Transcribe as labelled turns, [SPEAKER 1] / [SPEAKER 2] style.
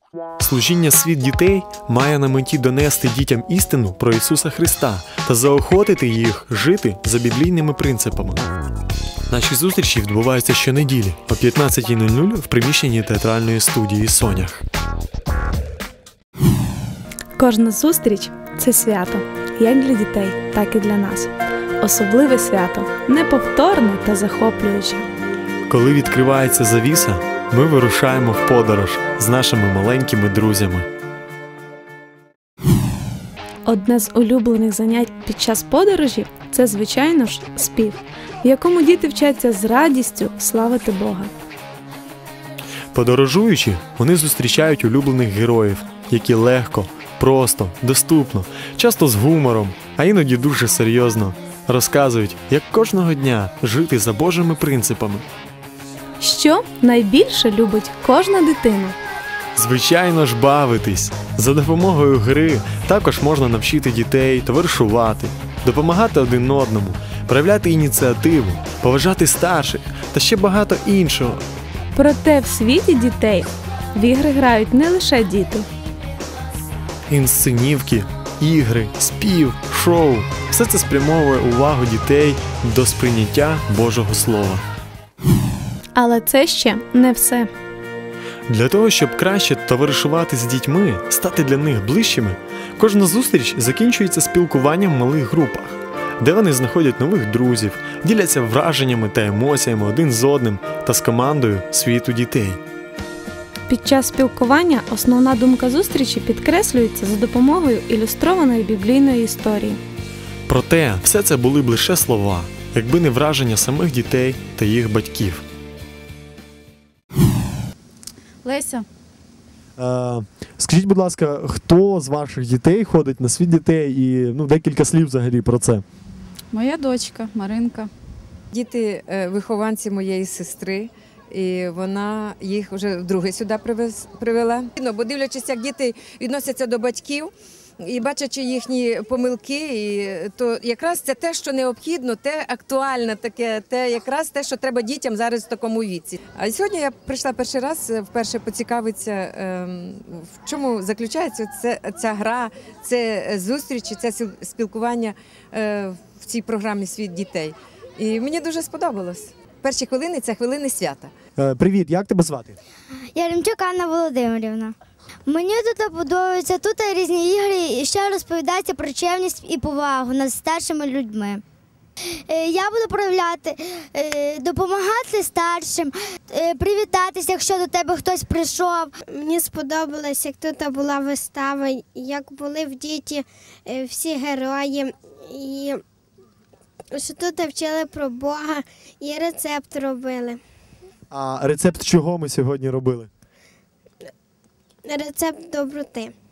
[SPEAKER 1] Служіння «Світ дітей» має на меті донести дітям істину про Ісуса Христа та заохотити їх жити за біблійними принципами. Наші зустрічі відбуваються щонеділі о 15:00 в приміщенні театральної студії «Сонях».
[SPEAKER 2] Кожна зустріч – це свято, як для дітей, так і для нас. Особливе свято, неповторне та захоплююче.
[SPEAKER 1] Коли відкривається завіса, ми вирушаємо в подорож з нашими маленькими друзями.
[SPEAKER 2] Одне з улюблених занять під час подорожі – це, звичайно ж, спів, в якому діти вчаться з радістю славити Бога.
[SPEAKER 1] Подорожуючи, вони зустрічають улюблених героїв, які легко, просто, доступно, часто з гумором, а іноді дуже серйозно розказують, як кожного дня жити за Божими принципами.
[SPEAKER 2] Що найбільше любить кожна дитина?
[SPEAKER 1] Звичайно ж, бавитись. За допомогою гри також можна навчити дітей товаришувати, допомагати один одному, проявляти ініціативу, поважати старших та ще багато іншого.
[SPEAKER 2] Проте в світі дітей в ігри грають не лише діти.
[SPEAKER 1] Інсценівки, ігри, спів, шоу – все це спрямовує увагу дітей до сприйняття Божого Слова.
[SPEAKER 2] Але це ще не все.
[SPEAKER 1] Для того, щоб краще товаришувати з дітьми, стати для них ближчими, кожна зустріч закінчується спілкуванням в малих групах, де вони знаходять нових друзів, діляться враженнями та емоціями один з одним та з командою світу дітей.
[SPEAKER 2] Під час спілкування основна думка зустрічі підкреслюється за допомогою ілюстрованої біблійної історії.
[SPEAKER 1] Проте, все це були б лише слова, якби не враження самих дітей та їх батьків.
[SPEAKER 3] Леся.
[SPEAKER 4] Скажіть, будь ласка, хто з ваших дітей ходить на світ дітей і декілька слів взагалі про це?
[SPEAKER 3] Моя дочка Маринка.
[SPEAKER 5] Діти – вихованці моєї сестри, і вона їх вже вдруге сюди привела. Бо дивлячись, як діти відносяться до батьків, і бачачи їхні помилки, то якраз це те, що необхідно, те актуальне, те якраз те, що треба дітям зараз в такому віці. А сьогодні я прийшла перший раз, вперше поцікавитися, в чому заключається ця гра, це зустрічі, це спілкування в цій програмі «Світ дітей». І мені дуже сподобалось. Перші хвилини – це хвилини свята.
[SPEAKER 4] Привіт, як тебе звати?
[SPEAKER 6] Яремчук Анна Володимирівна. Мені тут подобається, тут різні ігри і ще розповідається про чесність і повагу над старшими людьми. Я буду проявляти, допомагати старшим, привітатися, якщо до тебе хтось прийшов.
[SPEAKER 7] Мені сподобалось, як тут була вистава, як були в діті всі герої, і що тут вчили про Бога і рецепт робили.
[SPEAKER 4] А рецепт чого ми сьогодні робили?
[SPEAKER 7] Рецепт доброти.